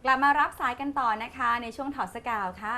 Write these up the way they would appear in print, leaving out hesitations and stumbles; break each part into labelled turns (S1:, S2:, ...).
S1: ลับมารับสายกันต่อนะคะในช่วงถอดสกาวค่ะ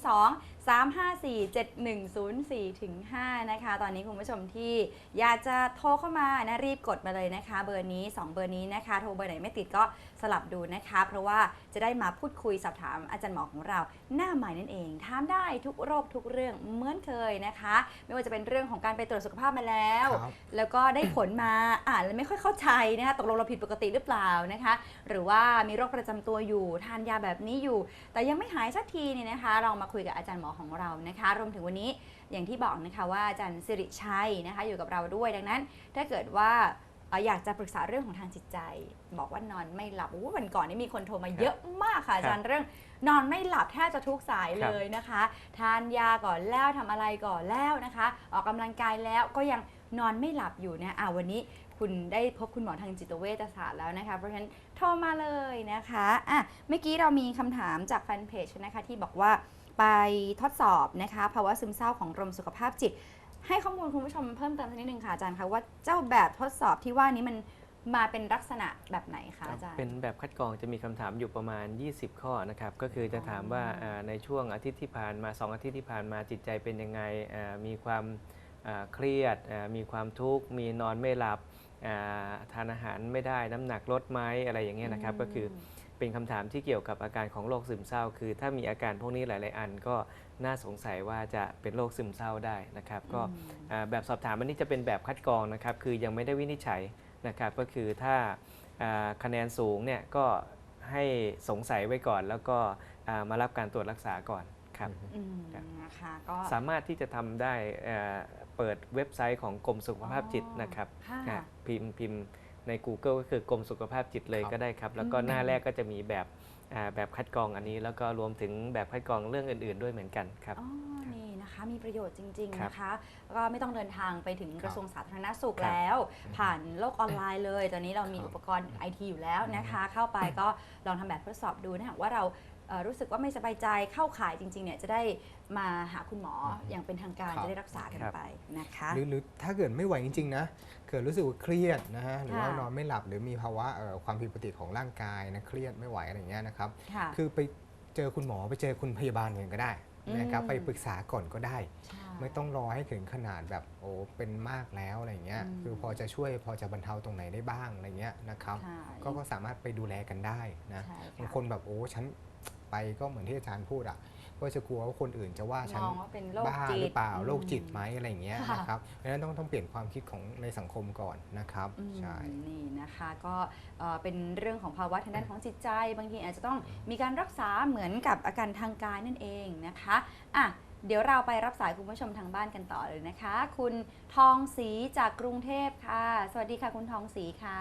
S1: 02-354-7104 ถึง 5 นะคะ ตอนนี้คุณผู้ชมที่อยากจะโทรเข้ามานะรีบกดมาเลยนะคะ เบอร์นี้ 2 เบอร์นี้นะคะ โทรเบอร์ไหนไม่ติดก็สลับดูนะคะ เพราะว่าจะได้มาพูดคุยสอบถามอาจารย์หมอของเราหน้าใหม่นั่นเองถามได้ทุกโรคทุกเรื่องเหมือนเคยนะคะ ไม่ว่าจะเป็นเรื่องของการไปตรวจสุขภาพมาแล้วแล้วก็ได้ผลมาอ่านแล้วไม่ค่อยเข้าใจนะคะตกลงเราผิดปกติหรือเปล่านะคะหรือว่ามีโรคประจำตัวอยู่ทานยาแบบนี้อยู่แต่ยังไม่หายสักทีเนี่ยนะคะเรามาคุยกับอาจารย์หมอของเรานะคะรวมถึงวันนี้อย่างที่บอกนะคะว่าอาจารย์สิริชัยนะคะอยู่กับเราด้วยดังนั้นถ้าเกิดว่าอยากจะปรึกษาเรื่องของทางจิตใจบอกว่านอนไม่หลับวันก่อนนี่มีคนโทรมาเยอะมากค่ะอาจารย์เรื่องนอนไม่หลับแทบจะทุกสายเลยนะคะทานยาก่อนแล้วทำอะไรก่อนแล้วนะคะออกกำลังกายแล้วก็ยังนอนไม่หลับอยู่นะวันนี้คุณได้พบคุณหมอทางจิตเวชศาสตร์แล้วนะคะเพราะฉะนั้นโทรมาเลยนะคะเมื่อกี้เรามีคำถามจากแฟนเพจนะคะที่บอกว่าไปทดสอบนะคะภาวะซึมเศร้าของกรมสุขภาพจิตให้ข้อมูลคุณผู้ชมเพิ่มเติมสักนิดนึงค่ะอาจารย์คะว่าเจ้าแบบทดสอบที่ว่านี้มันมาเป็นลักษณะแบบไหนคะอาจารย์
S2: เป็นแบบคัดกรองจะมีคำถามอยู่ประมาณ20ข้อนะครับก็คือจะถามว่าในช่วงอาทิตย์ที่ผ่านมา2อาทิตย์ที่ผ่านมาจิตใจเป็นยังไงมีความเครียดมีความทุกข์มีนอนไม่หลับทานอาหารไม่ได้น้ำหนักลดไหมอะไรอย่างเงี้ยนะครับก็คือเป็นคำถามที่เกี่ยวกับอาการของโรคซึมเศร้าคือถ้ามีอาการพวกนี้หลายๆอันก็น่าสงสัยว่าจะเป็นโรคซึมเศร้าได้นะครับก็แบบสอบถามอันนี้จะเป็นแบบคัดกรองนะครับคือยังไม่ได้วินิจฉัยนะครับก็คือถ้าคะแนนสูงเนี่ยก็ให้สงสัยไว้ก่อนแล้วก็มารับการตรวจรักษาก่อนครับ
S1: นะคะก็
S2: สามารถที่จะทำได้เปิดเว็บไซต์ของกรมสุขภาพจิตนะครับพิมพ์ใน Google ก็คือกรมสุขภาพจิตเลยก็ได้ครับแล้วก็หน้าแรกก็จะมีแบบคัดกรองอันนี้แล้วก็รวมถึงแบบคัดกรองเรื่องอื่นๆด้วยเหมือนกันครับ
S1: นี่นะคะมีประโยชน์จริงๆนะคะก็ไม่ต้องเดินทางไปถึงกระทรวงสาธารณสุขแล้วผ่านโลกออนไลน์เลยตอนนี้เรามีอุปกรณ์ไอทีอยู่แล้วนะคะเข้าไปก็ลองทำแบบทดสอบดูนะว่าเรารู้สึกว่าไม่สบายใจเข้าข่ายจริงๆเนี่ยจะได้มาหาคุณหมออย่างเป็นทางการจะได้รักษากันไปนะคะ
S3: หรือถ้าเกิดไม่ไหวจริงๆนะเกิดรู้สึกว่าเครียดนะฮะหรือว่านอนไม่หลับหรือมีภาวะความผิดปกติของร่างกายนะเครียดไม่ไหวอะไรอย่างเงี้ยนะครับคือไปเจอคุณหมอไปเจอคุณพยาบาลเองก็ได้นะครับไปปรึกษาก่อนก็ได้ไม่ต้องรอให้ถึงขนาดแบบโอ้เป็นมากแล้วอะไรเงี้ยคือพอจะช่วยพอจะบรรเทาตรงไหนได้บ้างอะไรเงี้ยนะครับก็สามารถไปดูแลกันได้นะบางคนแบบโอ้ฉันไปก็เหมือนที่อาจารย์พูดอ่ะก็จะกลัวว่าคนอื่นจะว่าฉันบ้าหรือเปล่าโรคจิตไหมอะไรอย่างเงี้ยนะครับเพราะฉะนั้นต้องเปลี่ยนความคิดของในสังคมก่อนนะครับใช่
S1: นี่นะคะก็เป็นเรื่องของภาวะทางด้านของจิตใจบางทีอาจจะต้องมีการรักษาเหมือนกับอาการทางกายนั่นเองนะคะเดี๋ยวเราไปรับสายคุณผู้ชมทางบ้านกันต่อเลยนะคะคุณทองศรีจากกรุงเทพค่ะสวัสดีค่ะคุณทองศรีค่ะ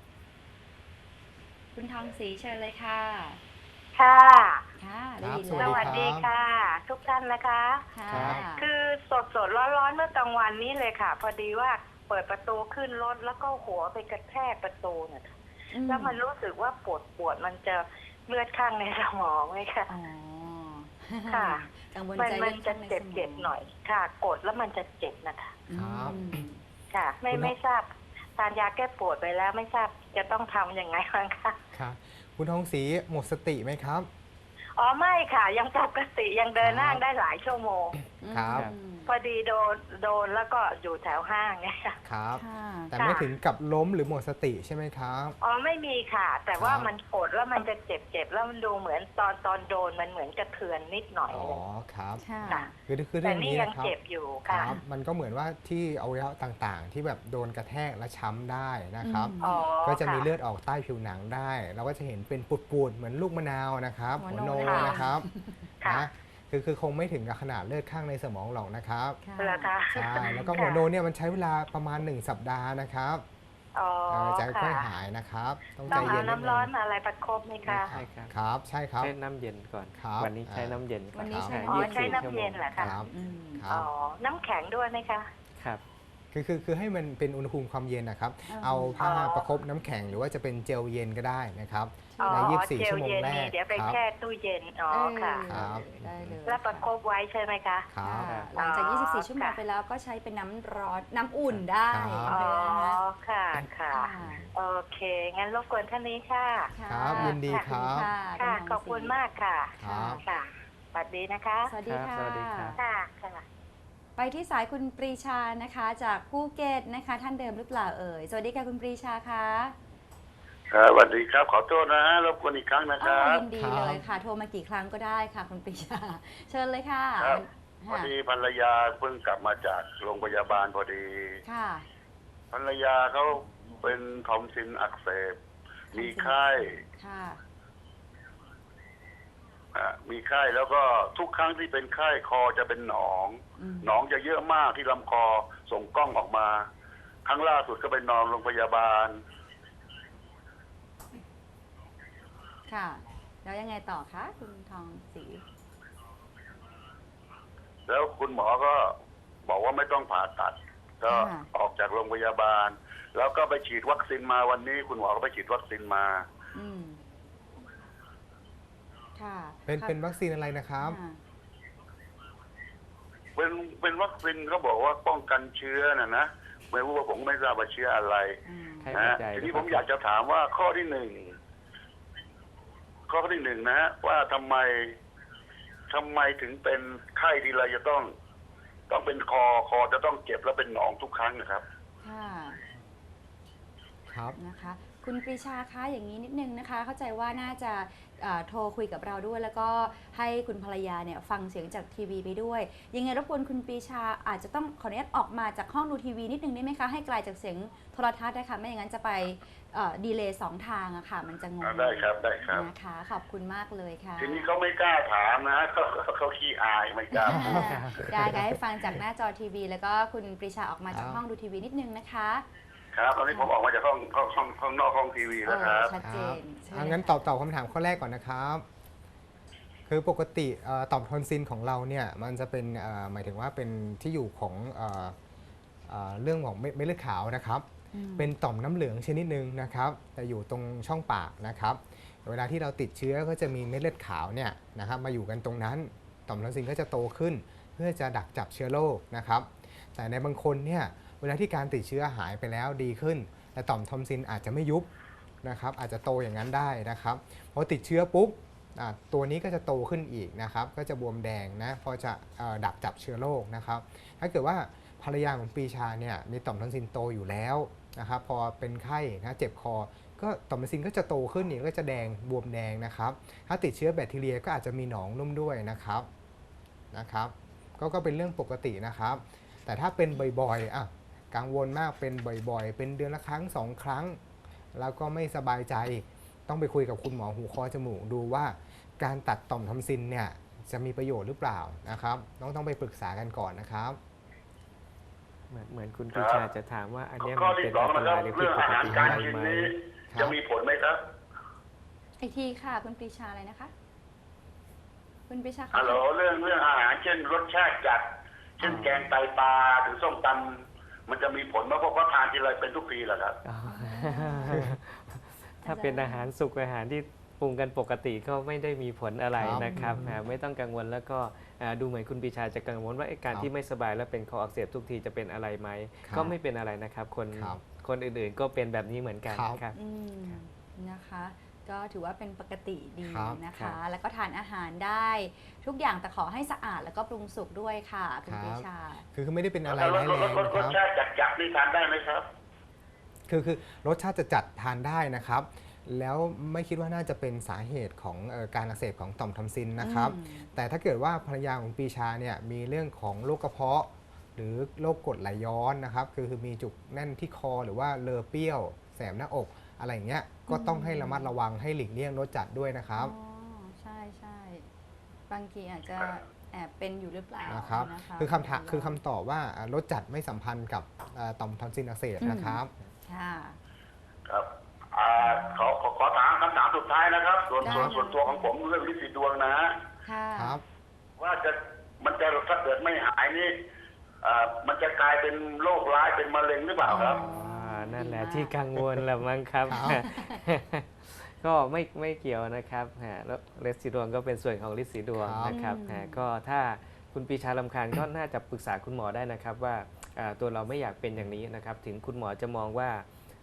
S1: คุณทองศรีเชิญเลยค่ะ
S4: ค่ะ
S1: ได้ยิน
S4: สวัสดีค่ะทุกท่านนะคะคือสดร้อนเมื่อกลางวันนี้เลยค่ะพอดีว่าเปิดประตูขึ้นรถแล้วก็หัวไปกระแทกประตูเนี่ยแล้วมันรู้สึกว่าปวดมันจะเลือดข้างในสมองไหมคะค่ะมันจะเจ็บหน่อยค่ะกดแล้วมันจะเจ็บนะคะค่ะไม่ทราบทานยาแก้ปวดไปแล้วไม่ทราบจะต้องทำยังไงบ้างคะ
S3: ค่ะคุณทองศรีหมดสติไหมครับ
S4: อ๋อไม่ค่ะยังปกติยังเดินห้างได้หลายชั่วโมง
S3: ครับ
S4: พอดีโดนแล้วก็อยู่แถวห้างไง
S3: ครับแต่ไม่ถึงกับล้มหรือหมดสติใช่ไหมครับ
S4: อ๋อไม่มีค่ะแต่ว่ามันกดแล้วมันจะเจ็บแล้วมันดูเหมือนตอนโดนมันเหมือนกระเทือนนิดหน่อย
S3: อ๋อครับ
S4: คือ
S3: เรื่องนี้
S4: นะครับเจ็บอยู่ค่ะ
S3: มันก็เหมือนว่าที่อวัยวะต่างๆที่แบบโดนกระแทกและช้ำได้นะครับก็จะมีเลือดออกใต้ผิวหนังได้เราก็จะเห็นเป็นปูดๆเหมือนลูกมะนาวนะครับหัวโนนะครับนะคือคงไม่ถึงกับขนาดเลือดข้างในสมองหรอกนะครับใช่แล้วก็หัวโนเนี่ยมันใช้เวลาประมาณ1 สัปดาห์นะครับจะค่อยหายนะครับต้องใจเย็น
S4: น้ำร้อนอะไรประคบไหมคะ
S3: ใช่ครับใช่ครับ
S2: ใช้น้ำเย็นก่อนวันนี้ใช้น้ำเย็น
S1: วันนี้ใช้
S4: น้ำเย็นเหรอคะน้ำแข็งด้วยไหมคะ
S2: ครับ
S3: คือให้มันเป็นอุณหภูมิความเย็นนะครับเอาผ้าประคบน้ำแข็งหรือว่าจะเป็นเจลเย็นก็ได้นะครับใน24 ชั่วโมงแรก
S4: เดี๋ยวไปแช่ตู้เย็นค่ะ
S1: ได้เลย
S4: แล้วประคบไว้ใช่ไหมคะ
S1: หลังจาก24 ชั่วโมงไปแล้วก็ใช้เป็นน้ำร้อนน้ำอุ่นได้
S4: ค่ะโอเค งั้นรบกวนท่านนี้ค่ะ
S3: ครับยินดีครับ
S4: ค่ะ ขอบคุณมากค่ะ
S3: ครับ
S4: ค่ะสวัสดีนะคะ
S1: สวัสดีค่ะ
S2: สวัสดีครับ
S4: ค่ะ ค่ะ
S1: ไปที่สายคุณปรีชานะคะ จากภูเก็ตนะคะ ท่านเดิมหรือเปล่าเอ่ย สวัสดีค่ะคุณปรีชาคะ
S5: ครับสวัสดีครับ ขอโทษนะฮะรบกวนอีกครั้งนะค
S1: อ๋อ
S5: รับ
S1: ยินดีเลยค่ะ โทรมากี่ครั้งก็ได้ค่ะคุณปรีชา เชิญเลยค่ะ
S5: ครับพอ
S1: ค่ะ
S5: ดีภรรยาเพิ่งกลับมาจากโรงพยาบาลพอดี
S1: ค่ะ
S5: ภรรยาเขาเป็นทอมซินอักเสบ มีไข้
S1: ค่ะ
S5: มีไข้แล้วก็ทุกครั้งที่เป็นไข้คอจะเป็นหนอง หนองจะเยอะมากที่ลำคอส่งกล้องออกมา ครั้งล่าสุดก็ไปนอนโรงพยาบาล
S1: ค่ะ แล้วยังไงต่อคะคุณทองศรี
S5: แล้วคุณหมอก็บอกว่าไม่ต้องผ่าตัด ก็ออกจากโรงพยาบาล แล้วก็ไปฉีดวัคซีนมาวันนี้ คุณหมอก็ไปฉีดวัคซีนมา
S1: อืมค่ะ
S3: เป็นวัคซีนอะไรนะครับ
S1: ค่ะ
S5: เป็นวัคซีนเขาบอกว่าป้องกันเชื้อนะไม่รู้ว่าผมไม่ทราบว่าเชื้ออะไร
S1: อืม
S2: ไข้
S5: นะ
S2: หวั
S5: ฮะ
S2: ดใหญ่
S5: ทีนี้ผมอยากจะถามว่าข้อที่หนึ่งนะฮะว่าทำไมถึงเป็นไข้ทีไรจะต้องเป็นคอจะต้องเจ็บแล้วเป็นหนองทุกครั้งนะครับ
S1: ค่ะ
S3: ครับ
S1: นะคะ คุณปรีชาคะอย่างนี้นิดนึงนะคะ เข้าใจว่าน่าจะโทรคุยกับเราด้วย แล้วก็ให้คุณภรรยาเนี่ยฟังเสียงจากทีวีไปด้วย ยังไงรบกวนคุณปรีชาอาจจะต้องขออนุญาตออกมาจากห้องดูทีวีนิดนึงได้ไหมคะ ให้ไกลจากเสียงโทรทัศน์นะคะไม่อย่างนั้นจะไปดีเลย์2ทางอะค่ะ มันจะงง
S5: ได้ครับได้ครับ
S1: นะคะ ขอบคุณมากเลยค่ะ
S5: ทีนี้เขาไม่กล้าถามนะเขาขี้อายไม่กล้าพูด
S1: ได้ค่ะให้ฟังจากหน้าจอทีวี แล้วก็คุณปรีชาออกมาจาก
S3: ครับ
S1: ห้องดูทีวีนิดนึงนะคะ
S5: ครับตอนนี้ผมออกมาจากห้องนอกห้องทีวีแล้วครับ
S1: ชัดเจน
S3: ครับงั้นตอบคำถามข้อแรกก่อนนะครับ คือปกติต่อมทอนซิลของเราเนี่ยมันจะเป็นหมายถึงว่าเป็นที่อยู่ของเรื่องของเม็ดเลือดขาวนะครับ เป็นต่อมน้ำเหลืองชนิดหนึ่งนะครับแต่อยู่ตรงช่องปากนะครับ เวลาที่เราติดเชื้อก็จะมีเม็ดเลือดขาวเนี่ยนะครับมาอยู่กันตรงนั้น ต่อมทอนซิลก็จะโตขึ้น เพื่อจะดักจับเชื้อโรคนะครับ แต่ในบางคนเนี่ยเวลาที่การติดเชื้อหายไปแล้วดีขึ้น แต่ต่อมทอนซิลอาจจะไม่ยุบนะครับ อาจจะโตอย่างนั้นได้นะครับพอติดเชื้อปุ๊บตัวนี้ก็จะโตขึ้นอีกนะครับ ก็จะบวมแดงนะพอจะดักจับเชื้อโรคนะครับ ถ้าเกิดว่าภรรยาของปรีชาเนี่ยมีต่อมทอนซิลโตอยู่แล้วนะครับพอเป็นไข้นะเจ็บคอก็ต่อมทอนซิลก็จะโตขึ้นอีกก็จะแดงบวมแดงนะครับ ถ้าติดเชื้อแบคทีเรียก็อาจจะมีหนองนุ่มด้วยนะครับก็เป็นเรื่องปกตินะครับ แต่ถ้าเป็นบ่อยๆกังวลมากเป็นบ่อยๆ เป็นเดือนละครั้ง2 ครั้ง แล้วก็ไม่สบายใจต้องไปคุยกับคุณหมอหูคอจมูกดูว่าการตัดต่อมทอนซิลเนี่ยจะมีประโยชน์หรือเปล่านะครับต้องไปปรึกษากันก่อนนะครับ
S2: เหมือนคุณปรีชาจะถามว่าอันเนี้ย
S5: ข้อ
S2: มัน
S5: ที่
S2: เป็น
S5: สอง
S2: อันต
S5: นะค
S2: รา
S5: รั
S2: ย
S5: บ
S2: หรือผิ
S5: เรื่
S2: ด
S5: อง
S2: ป
S5: อาก หาร
S2: ติ
S5: การ
S2: อะไร
S5: กิน
S2: ไหม
S5: นี้
S3: ครับ
S5: จะมีผลไหมครับ
S1: อีกทีค่ะคุณปรีชาอะไรนะคะ คุณปรีชา
S5: ฮัลโหลเรื่องอาหารเช่นรสชาติจัด เช่นแกงไตปลาหรือส้มตำมันจะมีผลไหมเพราะว่าทานทีไรเป็นทุกปีเหรอครับ
S2: อ๋อถ้าเป็นอาหารสุกอาหารที่ปรุงกันปกติก็ไม่ได้มีผลอะไรนะครับไม่ต้องกังวลแล้วก็ดูเหมือนคุณปรีชาจะกังวลว่าการที่ไม่สบายแล้วเป็นคออักเสบทุกทีจะเป็นอะไรไหมก็ไม่เป็นอะไรนะครับคนอื่นๆก็เป็นแบบนี้เหมือนกันครับ
S1: นะคะ ก็ถือว่าเป็นปกติดีนะ
S2: ครั
S1: คะ
S2: บ
S1: แล้วก็ทานอาหารได้ทุกอย่างแต่ขอให้สะอาดแล้วก็ปรุงสุกด้วยค่ะคุณปรีชา
S3: คือไม่ได้เป็นอะไร
S5: แล้ว
S3: ร้ายแรงนะค
S5: ร
S3: รั
S5: ส
S3: บ
S5: ชาติจัดนี่ทานได้ไหมครับ
S3: คือรสชาติจะจัดทานได้นะครับ แล้วไม่คิดว่าน่าจะเป็นสาเหตุของการอักเสบของต่อมทอนซิลนะครับ แต่ถ้าเกิดว่าภรรยาของปรีชาเนี่ยมีเรื่องของโรคกระเพาะ หรือโรคกรดไหลย้อนนะครับคือมีจุกแน่นที่คอหรือว่าเลอเปรี้ยวแสบหน้าอกอะไรอย่างเงี้ยก็ต้องให้ระมัดระวังให้หลีกเลี่ยงรสจัดด้วยนะครับ
S1: อ๋อใช่บางทีอาจจะแอบเป็นอยู่หรือเปล่า
S3: นะครับ
S1: นะคะ
S3: คือคำตอบว่ารสจัดไม่สัมพันธ์กับต่อมทอนซิลอักเสบนะครับ
S1: ค่ะ
S5: ครับขอถามคำถามสุดท้ายนะครับ ส่วน
S1: ได้
S5: ส่วนตัวของผมเรื่องลินสีดวงนะฮะ
S1: ค่ะ
S3: ครับ
S5: ว่ามันจะถ้าเกิดไม่หายนี่มันจะกลายเป็นโรคร้ายเป็นมะเร็งหรือเปล่าครับ
S2: นั่นแหละที่กังวลแหละมั้งครับ
S3: ครับ
S2: ก็ไม่เกี่ยวนะครับแล้วฤทธิ์สีดวงก็เป็นส่วนของฤทธิ์สีดวงนะครับก็ถ้าคุณปรีชารำคาญ ก็น่าจะปรึกษาคุณหมอได้นะครับว่าตัวเราไม่อยากเป็นอย่างนี้นะครับถึงคุณหมอจะมองว่า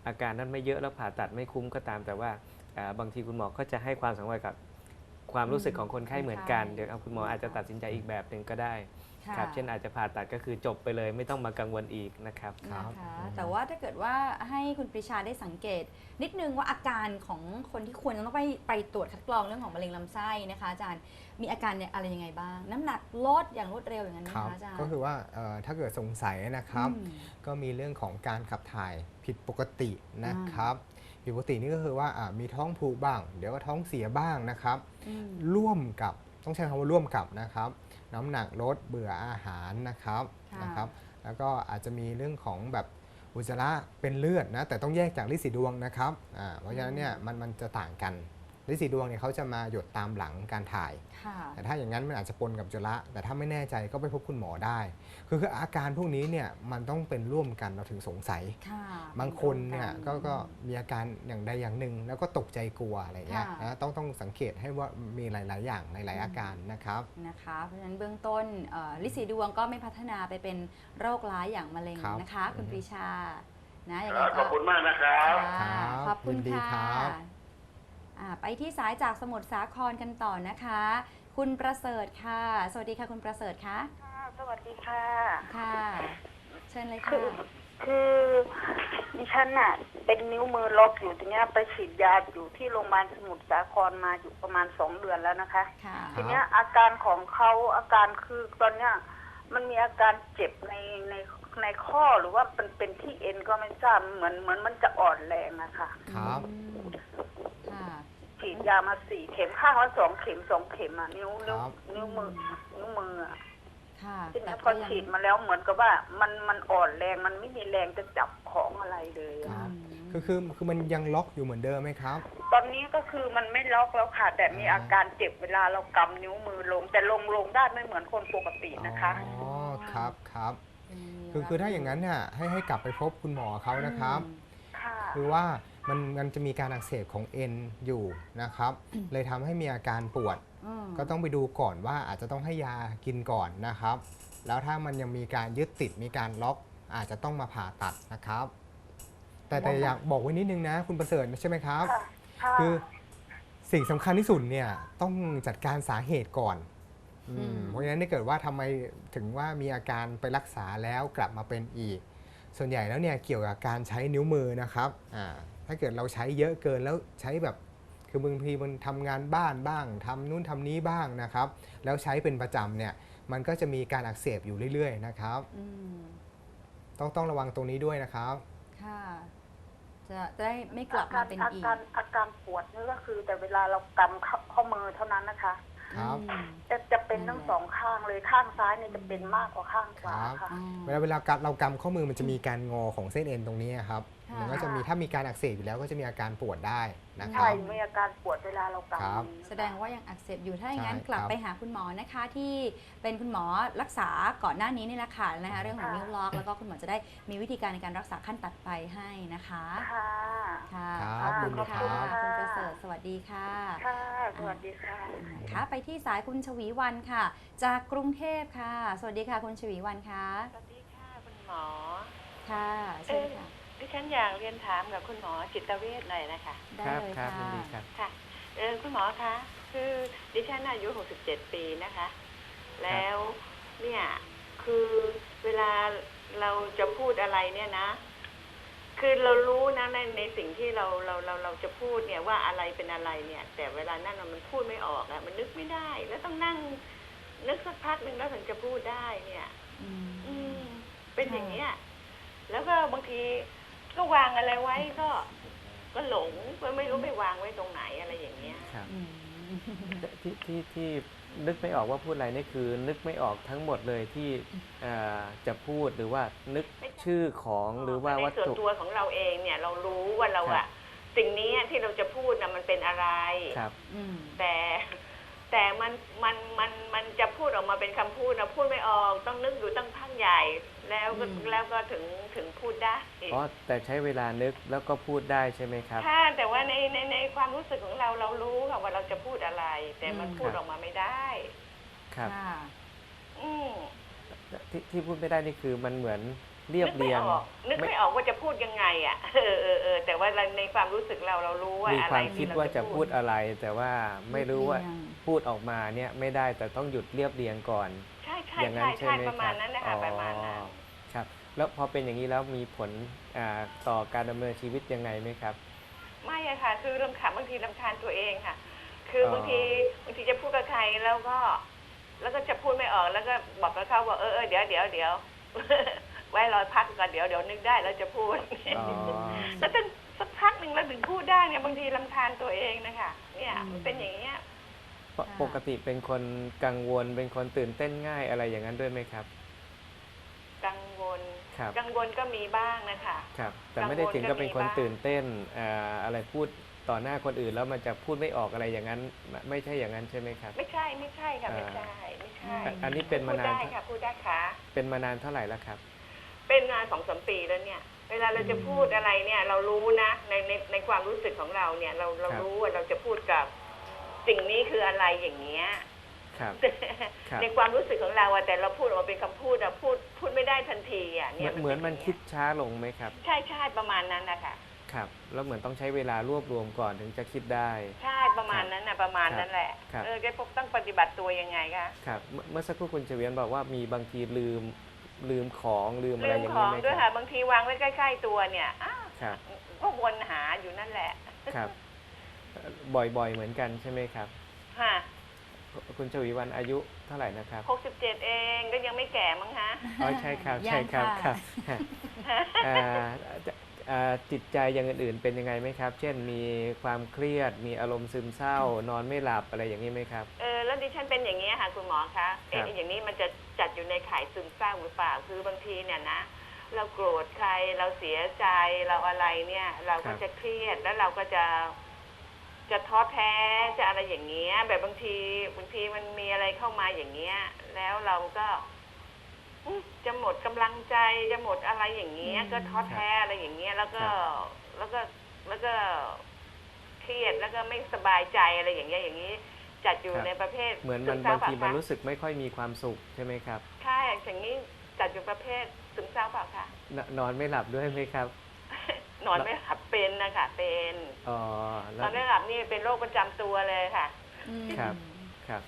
S2: อาการนั้นไม่เยอะแล้วผ่าตัดไม่คุ้มก็ตาม แต่ว่าบางทีคุณหมอก็จะให้ความสำคัญกับความรู้สึกของคนไข้เหมือนกันเดี๋ยวคุณหมออาจจะตัดสินใจอีกแบบหนึ่งก็ได้
S1: ค่ะ
S2: ครับเช่นอาจจะผ่าตัดก็คือจบไปเลยไม่ต้องมากังวลอีกนะครับ
S1: นะคะแต่ว่าถ้าเกิดว่าให้คุณปรีชาได้สังเกต นิดนึงว่าอาการของคนที่ควรจะต้องไปตรวจคัดกรองเรื่องของมะเร็งลำไส้นะคะอาจารย์มีอาการเนี่ยอะไรยังไงบ้าง น้ำหนักลดอย่างรวดเร็วอย่างนั้นไหม
S3: ครับ
S1: คะอาจารย์
S3: ก็คือว่าถ้าเกิดสงสัยนะครับ
S1: อืม
S3: ก็มีเรื่องของการขับถ่ายผิดปกตินะครับผิดปกตินี่ก็คือว่ามีท้องผูกบ้าง เดี๋ยวก็ท้องเสียบ้างนะครับ ร่วมกับต้องใช้คำว่าร่วมกับนะครับ น้ำหนักลดเบื่ออาหารนะครับ
S1: ค่ะ
S3: นะครับ แล้วก็อาจจะมีเรื่องของแบบอุจจาระเป็นเลือดนะแต่ต้องแยกจากฤทธิ์สีดวงนะครับเพราะฉะนั้นเนี่ยมันจะต่างกันฤทธิ์สีดวงเนี่ยเขาจะมาหยดตามหลังการถ่าย
S1: ค่ะ
S3: แต่ถ้าอย่างนั้นมันอาจจะปนกับอุจจาระแต่ถ้าไม่แน่ใจก็ไปพบคุณหมอได้ คืออาการพวกนี้เนี่ยมันต้องเป็นร่วมกันเราถึงสงสัย
S1: ค่ะ
S3: บางคนเนี่ยก็มีอาการอย่างใดอย่างหนึ่งแล้วก็ตกใจกลัวอะไรเงี้ย
S1: ค่ะ
S3: นะต้องสังเกตให้ว่ามีหลาย ๆ อย่างหลาย ๆ อาการนะครับ
S1: นะคะเพราะฉะนั้นเบื้องต้นลิสีดวงก็ไม่พัฒนาไปเป็นโรคร้ายอย่างมะเร็ง
S3: ครับ
S1: นะคะ คุณปรีชานะอย่าง
S5: ค
S1: ไร
S5: รับข
S1: ก็
S5: อบคุณมากนะครับ
S1: ค่ะ
S3: ครับ
S1: ขอบคุณ
S3: ยินดี
S1: ค่ะ
S3: ครับ
S1: ไปที่สายจากสมุทรสาครกันต่อนะคะ คุณประเสริฐค่ะ สวัสดีค่ะคุณประเสริฐคะ
S4: ค่ะสวัสดีค่ะ
S1: ค่ะ เชิญเลย
S4: คื
S1: ค่ะ
S4: คือดิฉันน่ะเป็นนิ้วมือล็อกอยู่ตรงเนี้ยไปฉีดยาอยู่ที่โรงพยาบาลสมุทรสาครมาอยู่ประมาณ2 เดือนแล้วนะคะ
S1: ค่ะ
S4: ทีเนี้ยอาการของเขาอาการคือตอนเนี้ยมันมีอาการเจ็บในข้อหรือว่าเป็นที่เอ็นก็ไม่ทราบเหมือนมันจะอ่อนแรงอะค่ะ
S3: ครับ
S1: อืมค่ะ
S4: ฉีดยามา4 เข็มข้างละ2 เข็ม2 เข็มอะนิ้ว
S3: ครับ
S4: มืออะ
S1: ค่ะ
S4: ที
S1: แต่
S4: นี้พ
S1: ก็
S4: อ
S1: ยัง
S4: ฉีดมาแล้วเหมือนกับว่ามันอ่อนแรงมันไม่มีแรงจะจับของอะไรเลย
S3: ค
S4: อะ
S3: รับ คือมันยังล็อกอยู่เหมือนเดิมไหมครับ
S4: ตอนนี้ก็คือมันไม่ล็อกแล้วค่ะ แต่มีอาการเจ็บเวลาเรากำนิ้วมือลง แต่ลงได้ไม่เหมือนคนปกตินะคะ
S3: อ๋อครับครับ
S1: มี
S3: คือถ้าอย่างนั้นเนี่ยให้กลับไปพบคุณหมอเขานะครับ
S4: ค่ะ
S3: คือว่ามันจะมีการอักเสบของเอ็นอยู่นะครับ เลยทำให้มีอาการปวด
S1: อืม
S3: ก็ต้องไปดูก่อนว่าอาจจะต้องให้ยากินก่อนนะครับ แล้วถ้ามันยังมีการยึดติดมีการล็อกอาจจะต้องมาผ่าตัดนะครับ แต่อยากบอกไว้นิดนึงนะคุณประเสริฐใช่ไหมครับ
S4: ค่ะค่ะ
S3: คือสิ่งสำคัญที่สุดเนี่ยต้องจัดการสาเหตุก่อนเพราะฉะนั้นถ้าเกิดว่าทำไมถึงว่ามีอาการไปรักษาแล้วกลับมาเป็นอีก ส่วนใหญ่แล้วเนี่ยเกี่ยวกับการใช้นิ้วมือนะครับถ้าเกิดเราใช้เยอะเกินแล้วใช้แบบคือบางทีมันทำงานบ้านบ้างทำนู่นทำนี้บ้างนะครับ แล้วใช้เป็นประจำเนี่ยมันก็จะมีการอักเสบอยู่เรื่อยๆนะครับ
S1: อืม
S3: ต้องระวังตรงนี้ด้วยนะครับ
S1: ค่ะ จะได้ไม่กลับมาเป็นอีก
S4: อาการปวดนี่ก็คือ แต่เวลาเรากำข้อมือเท่านั้นนะคะ
S3: ครับ
S1: อืม
S4: จะเป็นทั้งสองข้างเลยข้างซ้ายเนี่ยจะเป็นมากกว่าข้างขวาค่ะ
S1: อ๋อ
S3: เวลาเรากำข้อมือมันจะมีการงอของเส้นเอ็นตรงนี้ครับ
S1: ค่ะ
S3: มันก็จะมีถ้ามีการอักเสบอยู่แล้วก็จะมีอาการปวดได้นะค
S4: ใช่
S3: รับ
S4: มีอาการปวดเวลาเรา
S3: ครับ
S4: กำ
S1: แสดงว่ายังอักเสบอยู่ ถ้าอย่างนั้น
S3: ใช่
S1: กลับ
S3: ครับ
S1: ไปหาคุณหมอนะคะที่เป็นคุณหมอรักษาก่อนหน้านี้นี่แหละค่ะนะคะเรื่องของนิ้วล็อกแล้วก็คุณหมอจะได้มีวิธีการในการรักษาขั้นตัดไปให้นะคะ
S4: ค่ะ
S1: ค่ะ
S3: ครับ
S1: ขอบคุณ
S3: ขอบ
S1: ค่ะ
S3: คุณครับ
S1: คุณประเสริฐสวัสดีค่ะ
S4: ค่ะ สวัสดีค่ะ
S1: นะคะไปที่สายคุณชวีวันค่ะ จากกรุงเทพค่ะ สวัสดีค่ะคุณชวีวันค่ะ
S6: สวัสดีค่ะคุณหมอ
S1: ค่ะเชิญค่ะ
S6: ดิฉันอยากเรียนถามกับคุณหมอจิตเวชหน่อยนะคะ
S1: ได้
S2: ครับ
S1: เลย
S2: ครับ
S1: ค่ะ
S2: ยินดีครับ
S6: ค่ะคุณหมอคะคือดิฉันอายุ67 ปีนะคะ แล้วเนี่ยคือเวลาเราจะพูดอะไรเนี่ยนะ คือเรารู้นะในสิ่งที่เราจะพูดเนี่ยว่าอะไรเป็นอะไรเนี่ย แต่เวลานั้นน่ะมันพูดไม่ออกอะมันนึกไม่ได้ แล้วต้องนั่งนึกสักพักหนึ่งแล้วถึงจะพูดได้เนี่ย
S1: อืม
S6: เป็นอย่างเนี้ย แล้วก็บางทีก็วางอะไรไว้ก็หลงก็ไม่รู้ไปวางไว้ตรงไหนอะไรอย่างเงี้ย
S2: ครับ
S1: อืม
S2: ที่นึกไม่ออกว่าพูดอะไรนี่คือ นึกไม่ออกทั้งหมดเลยที่จะพูดหรือว่านึกชื่อของหรือว่าวัต
S6: ในส่วน
S2: ถุ
S6: ตัวของเราเองเนี่ยเรารู้ว่าเรา
S2: ครั
S6: อะ
S2: บ
S6: สิ่งนี้ที่เราจะพูดนะมันเป็นอะไร
S2: ครับ
S1: อืม
S6: แต่มันจะพูดออกมาเป็นคำพูดนะพูดไม่ออกต้องนึกอยู่ตั้งพักใหญ่ แล้วก็ถึงพูดได้
S2: อ๋อแต่ใช้เวลานึกแล้วก็พูดได้ใช่ไหมครับ
S6: ค่ะแต่ว่าในความรู้สึกของเรารู้ค่ะว่าเราจะพูดอะไร แต่มันพูด
S2: ครับ
S6: ออกมาไม่ได้
S2: ครับ
S1: ค่ะ
S6: อืม
S2: ที่พูดไม่ได้นี่คือมันเหมือนเรียบเรียง
S6: นึกไม่ออกว่าจะพูดยังไงอ่ะแต่ว่าในความรู้สึกเรารู้ว่า
S2: มี
S6: อะ
S2: ค
S6: ไร
S2: วามคิดว่าจะพูดอะไร แต่ว่าไม่รู้ว่า
S1: เรียบเรียง
S2: พูดออกมาเนี่ยไม่ได้แต่ต้องหยุดเรียบเรียงก่อน
S6: ใช่ใช่
S2: อย่างนั้
S6: ใช่
S2: นใช่
S6: ใช่
S2: ไหม
S6: ประมาณนั้นนะคะประมาณนั้น
S2: ครับ แล้วพอเป็นอย่างนี้แล้วมีผลต่อการดำเนินชีวิตยังไงไหมครับ
S6: ไม่อะค่ะ คือบางทีรำคาญตัวเองค่ะ คือบางทีจะพูดกับใครแล้วก็จะพูดไม่ออกแล้วก็บอกกับเขาว่าเดี๋ยว ไว้รอพักก่อนเดี๋ยวนึกได้แล้วจะพูด
S2: อ๋อ
S6: แล้วจนสักพักหนึ่งเราถึงพูดได้เนี่ยบางทีรำคาญตัวเองนะคะเนี่ยมันเป็นอย่างเงี้ย
S2: ปกติเป็นคนกังวลเป็นคนตื่นเต้นง่ายอะไรอย่างนั้นด้วยไหมครับ
S6: กังวล
S2: ครับ
S6: กังวลก็มีบ้างนะคะ
S2: ครับ แต่ไม่ได้ถึงกับเป็นคน
S6: กังวลก็มีบ้าง
S2: ตื่นเต้นอะไรพูดต่อหน้าคนอื่นแล้วมันจะพูดไม่ออกอะไรอย่างนั้น ไม่ใช่อย่างนั้นใช่ไหมครับ
S6: ไม่ใช่ค่ะไม่ใช่
S2: อันนี้เป็นมา
S6: พูด
S2: นาน
S6: ได้ค่ะพูดได้ค่ะ
S2: เป็นมานานเท่าไหร่แล้วครับ
S6: เป็นงาน2-3 ปีแล้วเนี่ย เวลาเราจะพูดอะไรเนี่ย เรารู้นะในความรู้สึกของเราเนี่ย เรา
S2: ครับ
S6: รู้ว่าเราจะพูดกับสิ่งนี้คืออะไรอย่างเงี้ย
S2: ครับ ครับ
S6: ในความรู้สึกของเราอะแต่เราพูดออกมาเป็นคำพูดอะพูดไม่ได้ทันทีอะเนี่ย
S2: เหมือนมันคิดช้าลงไหมครับ
S6: ใช่ประมาณนั้นนะคะ
S2: ครับแล้วเหมือนต้องใช้เวลารวบรวมก่อนถึงจะคิดได้
S6: ใช่ประมาณนั้นนะประมาณนั้นแหละ
S2: ครับ
S6: แกต้องปฏิบัติตัวยังไงคะ
S2: ครับเมื่อสักครู่คุณเฉวียนบอกว่ามีบางทีลืมของลืมอะไร
S6: เรื่อง
S2: อย่าง
S6: ข
S2: นี้
S6: อง
S2: ไหม
S6: ด้วย
S2: ค
S6: ค่ะ
S2: รับ
S6: บางทีวางไว้ใกล้ๆตัวเนี่ยอ้าว
S2: ครับ
S6: ก็วนหาอยู่นั่นแหละ
S2: ครับบ่อยๆเหมือนกันใช่ไหมครับ
S6: ค่ะ
S2: คุณชวีวรรณอายุเท่าไหร่นะครับ
S6: 67เองก็ยังไม่แก่มั้งคะ
S2: อ๋อใช่ครับ
S1: ยัง
S2: ใช่ครับ
S1: ค่ะ
S2: ครับอ่าจิตใจอย่างอื่นๆเป็นยังไงไหมครับ เช่นมีความเครียดมีอารมณ์ซึมเศร้านอนไม่หลับอะไรอย่างนี้ไหมครับ
S6: แล้วดิฉันเป็นอย่างนี้ค่ะคุณหมอคะ
S2: ครับ
S6: อย่างนี้มันจะจัดอยู่ในข่ายซึมเศร้าหรือเปล่าคือบางทีเนี่ยนะเราโกรธใครเราเสียใจเราอะไรเนี่ย เราก็จะเครียดแล้วเราก็จะท้อแท้จะอะไรอย่างเงี้ยแบบบางทีมันมีอะไรเข้ามาอย่างเงี้ยแล้วเราก็จะหมดกำลังใจจะหมดอะไรอย่างเงี้ยก็ท้อแท้อะไรอย่างเงี้ยแล้วก็เครียดแล้วก็ไม่สบายใจอะไรอย่างเงี้ยอย่างนี้จัดอยู่
S2: ครับ
S6: ในประเภท
S2: เหมือน
S6: ซึ
S2: มัน
S6: เศร้
S2: บางทีมัน
S6: เปล่
S2: รู้สึกไม่ค่อยมีความสุขใช่ไหมครับ
S6: ใช่อย่างนี้จัดอยู่ประเภทซึมเศร้าเปล่าคะ
S2: นอนไม่หลับด้วยไหมครับ
S6: นอนไม่หลับเป็นนะคะเป็น
S2: อ๋อน
S6: อนไม่หลับนี่เป็นโรคประจำตัวเลยค่ะ
S2: ครับครับ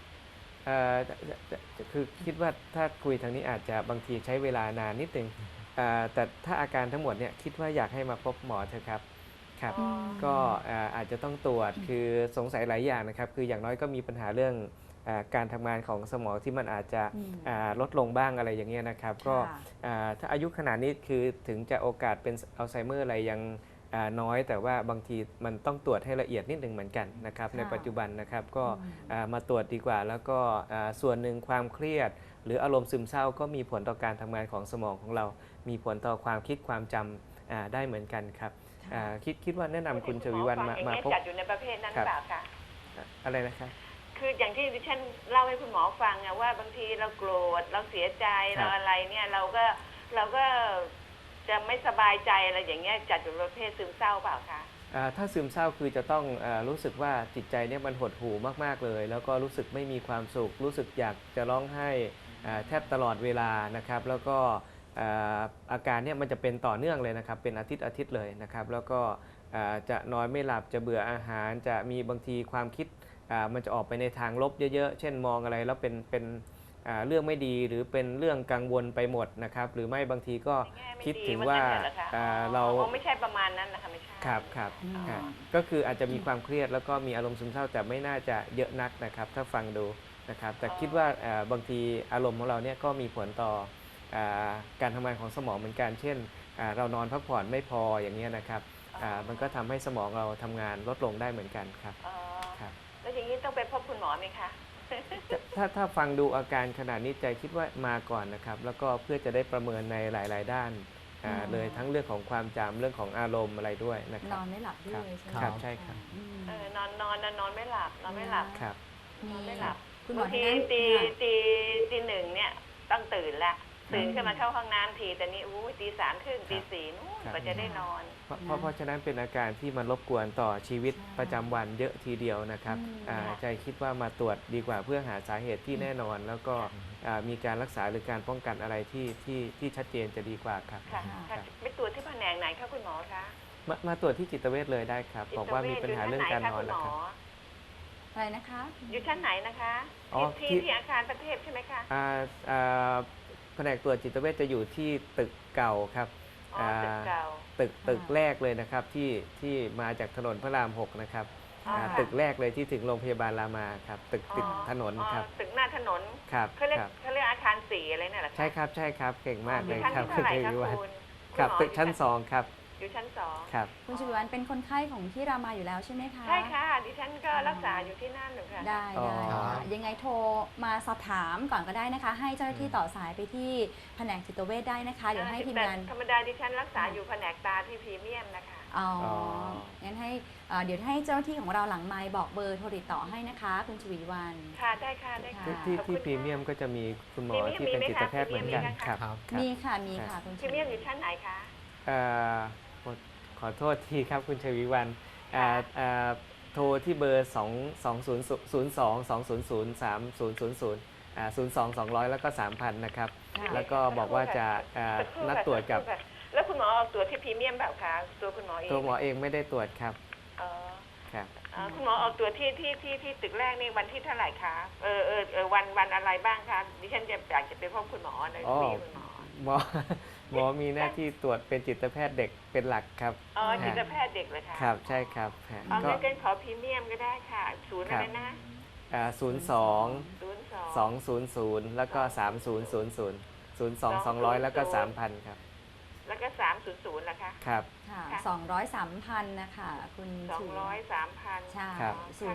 S2: คือคิดว่าถ้าคุยทางนี้อาจจะบางทีใช้เวลานานนิดนึงแต่ถ้าอาการทั้งหมดเนี่ยคิดว่าอยากให้มาพบหมอเถอะครับครับ
S6: อ๋อ
S2: ก็อาจจะต้องตรวจคือสงสัยหลายอย่างนะครับ คืออย่างน้อยก็มีปัญหาเรื่องการทำงานของสมองที่มันอาจจะลดลงบ้างอะไรอย่างเงี้ยนะครับ ก็ถ้าอายุขนาดนี้คือถึงจะโอกาสเป็นอัลไซเมอร์อะไรยังน้อย แต่ว่าบางทีมันต้องตรวจให้ละเอียดนิดหนึ่งเหมือนกันนะครับในปัจจุบันนะครับก็มาตรวจดีกว่า แล้วก็ส่วนหนึ่งความเครียด หรืออารมณ์ซึมเศร้าก็มีผลต่อการทำงานของสมองของเรา มีผลต่อความคิดความจำได้เหมือนกันครับคิดว่าแนะนำคุณชวีวรรณมาพบ
S6: จัดอยู่ในประเภทนั้นหรือเปล่าคะ
S2: อะไรนะครับ
S6: คืออย่างที่ดิฉันเล่าให้คุณหมอฟังอะว่าบางทีเราโกรธเราเสียใจ
S2: ครับ
S6: เราอะไรเนี่ยเราก็จะไม่สบายใจอะไรอย่างเงี้ยจัดอยู่ประเภทซึมเศร้าเปล่าคะ
S2: ถ้าซึมเศร้าคือจะต้องรู้สึกว่าจิตใจเนี่ยมันหดหู่มากๆเลย แล้วก็รู้สึกไม่มีความสุข รู้สึกอยากจะร้องไห้แทบตลอดเวลานะครับแล้วก็อาการเนี่ยมันจะเป็นต่อเนื่องเลยนะครับเป็นอาทิตย์เลยนะครับแล้วก็จะนอนไม่หลับจะเบื่ออาหารจะมีบางทีความคิดมันจะออกไปในทางลบเยอะๆเช่นมองอะไรแล้วเป็นเรื่องไม่ดีหรือเป็นเรื่องกังวลไปหมดนะครับหรือไม่บางทีก็คิดถึงว่าเรา
S6: ไม่ใช่ประมาณนั้นนะคะไม่ใช่
S2: ครับก็คืออาจจะมีความเครียดแล้วก็มีอารมณ์ซึมเศร้าแต่ไม่น่าจะเยอะนักนะครับถ้าฟังดูนะครับแต่คิดว่าบางทีอารมณ์ของเราเนี่ยก็มีผลต่อการทำงานของสมองเหมือนกันเช่นเรานอนพักผ่อนไม่พออย่างนี้ยนะครับมันก็ทำให้สมองเราทำงานลดลงได้เหมือนกันครับครับ
S6: แล้วอย่างนี้ต้องไปพบคุณหมอไหมคะ
S2: ถ้าฟังดูอาการขนาดนี้ใจคิดว่ามาก่อนนะครับแล้วก็เพื่อจะได้ประเมินในหลายๆด้านเลยทั้งเรื่องของความจำเรื่องของอารมณ์อะไรด้วยนะคน รับ
S1: อนไม่หลับด้วยใช่ไหม
S2: ครับใช่ครับ
S6: นอนไม่หลับนอนไม่หลับ
S2: ครับ
S6: นอนไม่หลับ
S1: คุณหมอบ
S6: างที
S1: ที่นั่น
S6: ตีหนึ่งเนี่ยต้องตื่นละตื่นขึ้นมาเข้าห้องน้ำทีแต่นี่ตี 3 ครึ่งตี 4นู่น
S2: ครับ
S6: ก็จะได้นอน
S2: เพราะฉะนั้นเป็นอาการที่มันรบกวนต่อชีวิตประจำวันเยอะทีเดียวนะครับใจคิดว่ามาตรวจดีกว่าเพื่อหาสาเหตุที่แน่นอน แล้วก็มีการรักษาหรือการป้องกันอะไรที่ชัดเจนจะดีกว่าครับ
S6: ค่ะค่ะไปตรวจที่แผนกไหนคะคุณหมอคะ
S2: มาตรวจที่จิตเวชเลยได้ครับบอกว่ามีปัญหาเรื่องการนอนแล้วครับ
S1: อะไรนะคะ
S6: อยู่ชั้นไหนนะคะ
S2: อ๋อ
S6: ที่อาคารประเทศใช่ไหมคะ
S2: แผนกตรวจจิตเวชจะอยู่ที่ตึกเก่าครับ
S6: อ๋อตึกเก่า
S2: ตึกแรกเลยนะครับที่มาจากถนนพระราม 6 นะครับ
S6: อ๋อค่ะ
S2: ตึกแรกเลยที่ถึงโรงพยาบาลรามาครับตึกติดถนนครับ
S6: ตึกหน้าถนน
S2: ครับ
S6: เขาเรียก
S2: ครับ
S6: เขาเรียกอาคาร4อะไรเนี่ยเหรอคะ
S2: ใช่ครับใช่ครับเก่งมากเลย
S6: อยู่ชั้น
S2: ครับ
S6: ที่เท่าไหร่คะ
S2: ณวิวัฒน์
S6: คุณ
S2: ครับ
S6: ณหมอ
S2: ตึกชั้น
S6: อยู่
S2: 2 ครับ
S6: อยู่ชั้น2
S2: ครับ
S1: คุณชวิวันเป็นคนไข้ของที่รามาอยู่แล้วใช่ไหมคะ
S6: ใช่ค่ะดิฉันก็รักษาอยู่ที่นั่นหนึ่งค่ะ
S1: ได้
S2: อ๋อ
S1: ได้ค่ะยังไงโทรมาสอบถามก่อนก็ได้นะคะ ให้เจ้าหน้าที่ต่อสายไปที่แผนกจิตเวชได้นะคะ เดี๋ยวให้ทีมงาน
S6: ธรรมดาดิฉันรักษาอยู่แผนกตาที่พรีเมียมนะคะ
S1: อ๋องั้นให้เดี๋ยวให้เจ้าหน้าที่ของเราหลังไมค์บอกเบอร์โทรติดต่อให้นะคะ คุณชวีวัน
S6: ค่ะได้ค่ะได้ค่ะ
S2: ที่
S6: ขอบคุณ
S2: พรีเมียมก็จะมีคุณหมอ
S6: พรีเมียม
S2: ที่เป็น
S6: มีไหม
S2: จิตแพทย์เหมือนกัน
S6: คะ
S2: ครับ
S3: ครับ
S2: ครับ
S1: มีค่ะมีค่ะคุณ
S6: พรีเมียมอยู่ชั้นไหนคะ
S2: เอ่อขอโทษทีครับคุณชวีวันโทรที่เบอร์ 02-200-300 แล้วก็ 3,000 นะครับ แล้วก็บอกว่าจะนัดตรวจกับ
S6: แล้วคุณหมอออกตรวจที่พรีเมียมแบบคะตัวคุณหมอเอง
S2: ตัวหมอเองไม่ได้ตรวจครับ
S6: อ๋อ
S2: ครับ
S6: คุณหมอออกตรวจที่ตึกแรกนี่วันที่เท่าไหร่คะวันอะไรบ้างคะดิฉันอยากจะไปพบคุณหมอใน
S2: อ๋อ
S6: คุยกับคุณหมอ
S2: หมอมีหน้าที่ตรวจเป็นจิตแพทย์เด็กเป็นหลักครับ
S6: อ๋อจิตแพทย์เด็กเลยค่ะ
S2: ครับใช่ครับฮะ
S6: อ๋อ
S2: ก็
S6: งั้นขอพรีเมียมก็ได้ค่ะศูนย์อะไรนะ
S2: 02-200 แล้วก็ 3000 02-200 แล้วก็ 3,000 ครับ
S6: แล้วก็300นะคะ
S2: ครับ
S1: ค่ะ
S6: ค่ะ
S1: 200-3,000นะคะคุณชวีวัน
S6: 200 3,000
S1: ใช่
S2: ครับ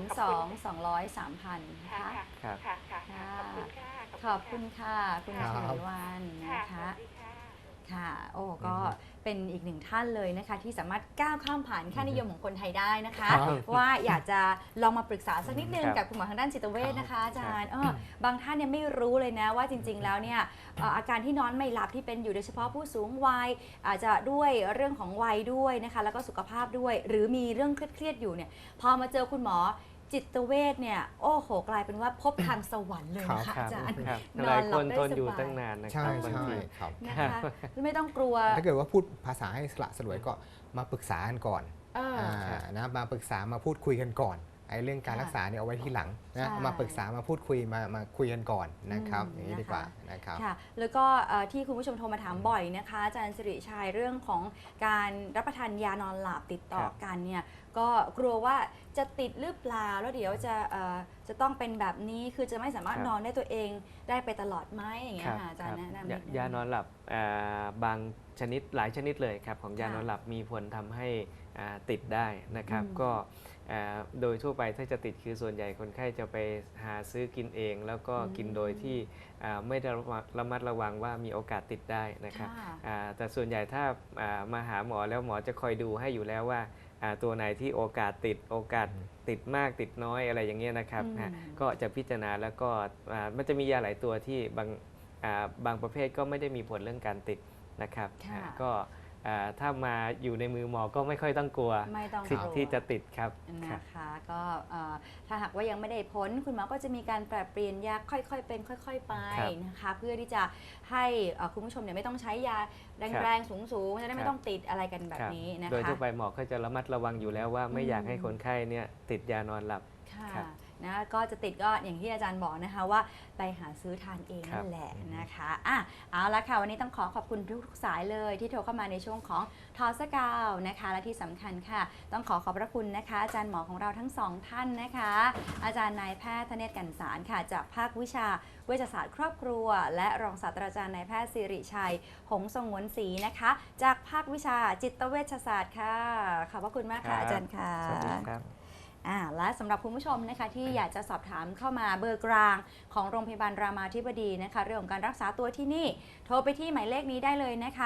S1: 02-200-3,000นะคะ
S6: ค่ะ
S2: ครับ
S6: ค่ะขอบคุณค่ะ
S1: ขอบคุณค่ะ คุณ
S3: ครั
S1: ช
S3: บ
S1: วีวันนะ
S6: ส
S1: คะ
S6: วัสดีค่ะ
S1: ค่ะ โอ้ ก็เป็นอีกหนึ่งท่านเลยนะคะ ที่สามารถก้าวข้ามผ่านค่านิยมของคนไทยได้นะคะ
S3: ครับ
S1: ว่าอยากจะลองมาปรึกษาสักนิดนึง
S2: ครับ
S1: กับคุณหมอทางด้านจิตเวชนะคะอาจารย์
S2: ครับ
S1: บางท่านเนี่ยไม่รู้เลยนะว่าจริง ๆ แล้วเนี่ยอาการที่นอนไม่หลับที่เป็นอยู่โดยเฉพาะผู้สูงวัยอาจจะด้วยเรื่องของวัยด้วยนะคะ แล้วก็สุขภาพด้วย หรือมีเรื่องเครียดๆอยู่เนี่ยพอมาเจอคุณหมอจิตเวชเนี่ยโอ้โหกลายเป็นว่าพบทางสวรรค์เลยนะ
S2: ค
S1: คะ
S2: รับ
S1: อาจารย์
S2: ครับ
S1: น
S2: ห
S1: อ
S2: ลาน ย
S1: ห
S2: ค
S1: ลับ
S2: น
S1: ได้
S2: ทนอยู่
S1: สบาย
S2: ตั้งนานนะค
S3: ใช่
S2: รับบาง
S3: ใช่
S2: ที
S3: ครับ
S1: นะคะไม่ต้องกลัว
S3: ถ้าเกิดว่าพูดภาษาให้สละสลวยก็มาปรึกษากันก่อน
S2: ครับ
S3: นะมาปรึกษามาพูดคุยกันก่อนไอ้เรื่องการรักษาเนี่ยเอาไว้ที่หลังนะ
S1: ใช่
S3: มาปรึกษามาพูดคุยมาคุยกันก่อนนะครับ อย่างนี้ดีกว่า
S1: นะคะ
S3: นะครับ
S1: ค่ะ แล้วก็ที่คุณผู้ชมโทรมาถามบ่อยนะคะอาจารย์สิริชัยเรื่องของการรับประทานยานอนหลับติดต่อ
S2: ครับ
S1: กันเนี่ยก็กลัวว่าจะติดหรือเปล่าแล้วเดี๋ยวจะต้องเป็นแบบนี้คือจะไม่สามารถนอนได้ตัวเองได้ไปตลอดไหมอย่างเงี้ยค่ะอาจารย์แนะนำนิดนึง
S2: ยานอนหลับบางชนิดหลายชนิดเลยครับของยานอนหลับมีผลทำให้ติดได้นะครับ
S1: อืม
S2: ก็โดยทั่วไปถ้าจะติดคือส่วนใหญ่คนไข้จะไปหาซื้อกินเอง แล้วก็กินโดยที่ไม่ได้ระมัดระวังว่ามีโอกาสติดได้นะครับ
S1: ค่ะ
S2: แต่ส่วนใหญ่ถ้ามาหาหมอแล้วหมอจะคอยดูให้อยู่แล้วว่าตัวไหนที่โอกาสติดมากติดน้อยอะไรอย่างเงี้ยนะครับ ก็จะพิจารณาแล้วก็มันจะมียาหลายตัวที่บางประเภทก็ไม่ได้มีผลเรื่องการติดนะครับ
S1: ค่ะ
S2: ก็ถ้ามาอยู่ในมือหมอก็ไม่ค่อยต้องกลัว
S1: ไม่ต้อง
S2: สิท
S1: กลั
S2: ธิ์
S1: ว
S2: ที่จะติดครับครับ
S1: นะคะก็ถ้าหากว่ายังไม่ได้ผลคุณหมอก็จะมีการปรับเปลี่ยนยาค่อยๆเป็นค่อย ๆ ไป
S2: ครับ
S1: นะคะเพื่อที่จะให้คุณผู้ชมเนี่ยไม่ต้องใช้ยาแรงๆสูงๆจะได้ไม่ต้องติดอะไรกันแบบ
S2: ครับ
S1: นี้นะ
S2: โดย
S1: คะ
S2: ทั่วไปหมอก็จะระมัดระวังอยู่แล้วว่าไม่อยากให้คนไข้เนี่ยติดยานอนหลับ
S1: ค่ะ
S2: ครับ
S1: นะก็จะติดก็อย่างที่อาจารย์บอกนะคะว่าไปหาซื้อทานเอง
S2: ครั
S1: นั่
S2: บ
S1: นแหละนะคะเอาละค่ะวันนี้ต้องขอบคุณทุกสายเลยที่โทรเข้ามาในช่วงของทอสกาวนะคะและที่สำคัญค่ะ ต้องขอบพระคุณนะคะอาจารย์หมอของเราทั้งสองท่านนะคะ อาจารย์นายแพทย์ธเนศกันสารค่ะจากภาควิชาเวชศาสตร์ครอบครัว และรองศาสตราจารย์นายแพทย์สิริชัยหงส์สงวนศรีนะคะ จากภาควิชาจิตเวชศาสตร์ค่ะขอบพระคุณมากค่ะอาจารย์ค่ะ
S2: สวัสดีครับ
S1: และสำหรับคุณผู้ชมนะคะที่อยากจะสอบถามเข้ามาเบอร์กลางของโรงพยาบาลรามาธิบดีนะคะเรื่องของการรักษาตัวที่นี่โทรไปที่หมายเลขนี้ได้เลยนะคะ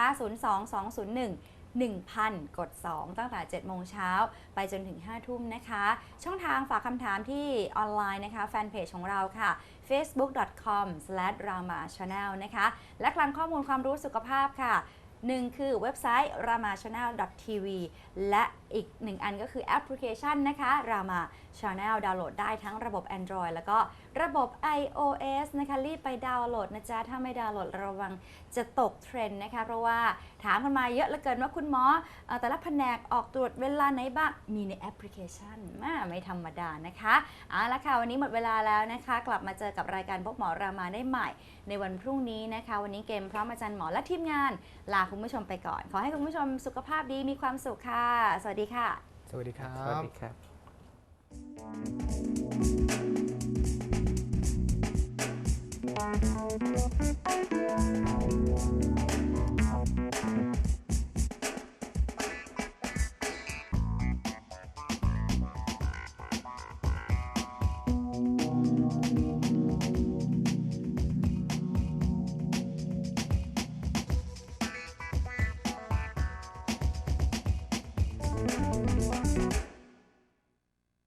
S1: 022011000 กด 2 ตั้งแต่ 7 โมงเช้าไปจนถึง 5 ทุ่มนะคะ ช่องทางฝากคำถามที่ออนไลน์นะคะแฟนเพจของเราค่ะ facebook.com/ramachannel นะคะและคลังข้อมูลความรู้สุขภาพค่ะ 1 คือเว็บไซต์ ramachannel.tv และอีกหนึ่งอันก็คือแอปพลิเคชันนะคะรามา Channel ดาวน์โหลดได้ทั้งระบบ Android แล้วก็ระบบ iOS นะคะรีบไปดาวน์โหลดนะจ๊ะถ้าไม่ดาวน์โหลดระวังจะตกเทรนด์นะคะเพราะว่าถามกันมาเยอะเหลือเกินว่าคุณหมอแต่ละแผนกออกตรวจเวลาไหนบ้างมีในแอปพลิเคชันไม่ธรรมดานะคะเอาละค่ะวันนี้หมดเวลาแล้วนะคะกลับมาเจอกับรายการพบหมอรามาได้ใหม่ในวันพรุ่งนี้นะคะวันนี้เกมพร้อมอาจารย์หมอและทีมงานลาคุณผู้ชมไปก่อนขอให้คุณผู้ชมสุขภาพดีมีความสุขค่ะสวัสดีค่ะ
S3: สวัสดีครั
S2: สวัส
S3: บ
S2: ดีครับ
S3: Thank you.